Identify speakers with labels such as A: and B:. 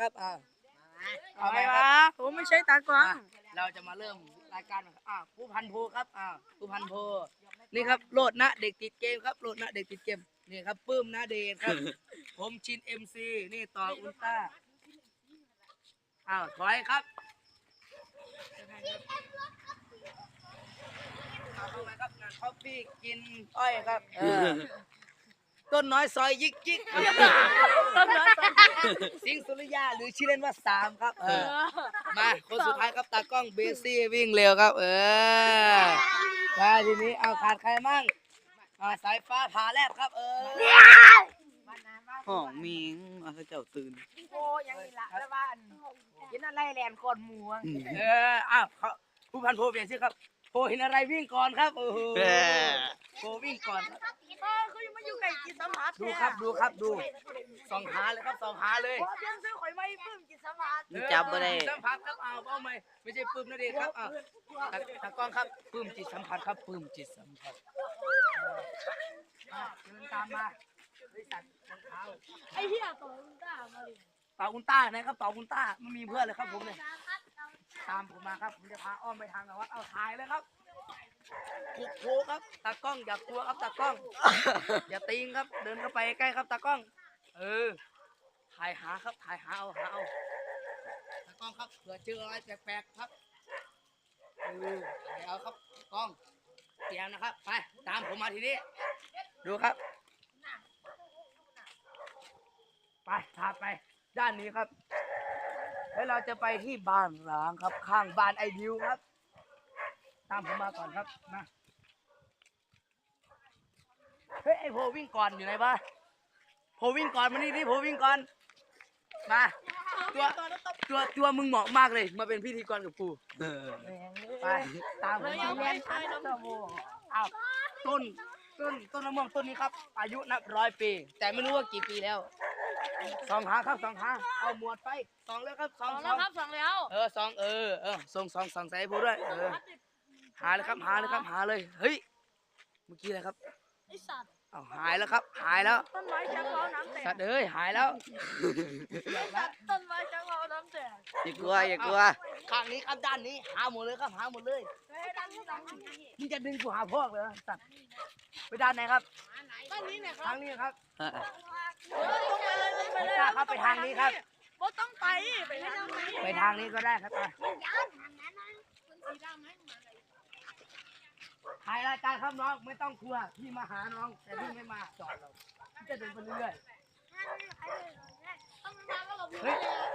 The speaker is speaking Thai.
A: ครับเอา
B: อะไร
A: ไปครั
B: วะ
A: บ
B: ผมไม่ใช่ตากล้อง
A: เราจะมาเริ่มรายการผู้พันโพครับผู้พันโพนี่ครับโลดนะเด็กติดเกมครับโลดนะเด็กติดเกมนี่ครับปื้มนะเดชครับ ผมชิน MC นี่ต่ออุลตร้าถอยครับเข้าไปครับงานคอฟฟี่กินอ้อยครับต้นน้อยซอยยิกยิก
B: ต้นน้อย
A: สิงห์สุริยาหรือชื่อเล่นว่าสามครับมาคนสุดท้ายครับตากล้องเบซี่วิ่งเร็วครับมาทีนี้เอาขาดใครมั่งสายฟ้าผ่าแลบครับ
C: ห้องมิงเอาเจ้าตื่น
B: โอ้ยังนี่ละแล้วบ้านกินอะไรแลนก่อนหมู
A: เขาผู้พันโพเปลี่ยนชื่อครับโพเห็นอะไรวิ่งก่อนครับโอ้โหโพวิ่งก่อนครับ
B: เขายังมาอยู่ไก่กินสมัติ
A: ดูส่องหาเลยครับส่องหาเลย
B: พอเพียงซื้อข่อยไม่ปลื้มกินสมัติ
C: จับบ่ได้
A: สัมผัสครับเอาไม่ใช่ปื้มนะเด็กครับตากล้องครับปื้มจิตสัมผัสครับปื้มจิตสัมผัสเดินตามมาบริษัทรองเท้า
B: ไอ้เหี้ยตัวมึงด่ามาดิ
A: เป่าอุลตร้านะครับเป่าอุลตร้าไม่มีเพื่อนเลยครับผมเลยตามผมมาครับผมจะพาอ้อมไปทางนวัดเอาถ่ายเลยครับคุกโคครับตากล้องอย่ากลัวครับตากล้อง อย่าตีงครับเดินเข้าไปใกล้ครับตากล้องถ่ายหาครับถ่ายหาเอาตากล้องครับเผื่อเจออะไรแปลกๆครับถ่ายเอาครับกล้องเตรียมนะครับไปตามผมมาทีนี้ดูครับไปพาไปด้านนี้ครับแล้วเราจะไปที่บ้านร้างครับข้างบ้านไอดิวครับตามผมมาก่อนครับมาเฮ้ยไอโพวิ่งก่อนอยู่ไหนบ้าโพวิ่งก่อนมานี่โพวิ่งก่อนมาตัวมึงเหมาะมากเลยมาเป็นพิธีกรกับกูไปตามผมมาเอาต้นมะม่วงต้นนี้ครับอายุนับ100 ปีแต่ไม่รู้ว่ากี่ปีแล้วสองหาครับสองหาเอาหมวดไปสองแล้วครับสอง
B: แล้วครับสองแล้ว
A: สองส่งใส่โพด้วยหาเลยครับหาเลยเฮ้ยเมื่อกี้อะไรครับ
B: ไอ้สัตว์
A: เอาหายแล้วครับหายแล้ว
B: ต้นไม้จังเราน้ำแตก
A: สัตว์เอ้ยหายแล้ว
B: ต้นไม้จังเราน้ำแตก
C: อย่ากลัวอย่ากลัว
A: ข้างนี้ครับด้านนี้หาหมดเลยครับหาหมดเลย
B: เฮ้ยด้านนี้ด้านนี้
A: มึงจะดึงกูหาพ่อเลยสัตว์ไปด้านไหนครับ
B: ด้านนี้เนี่ยครั
A: ทา
B: บ
A: งนี้ครับ
B: ต้องไปเลยต้องไปเลย
A: ครับไปทางนี้ครับ
B: บ่ต้องไปไปทางนี้
A: ไปทางนี้ก็ได้ครับไปถ่ายรายการครับน้องไม่ต้องกลัวพี่มาหาน้องแต่พี่ไม่มาจอดเราพี่จะเดินไปเรื่อยๆเฮ้ย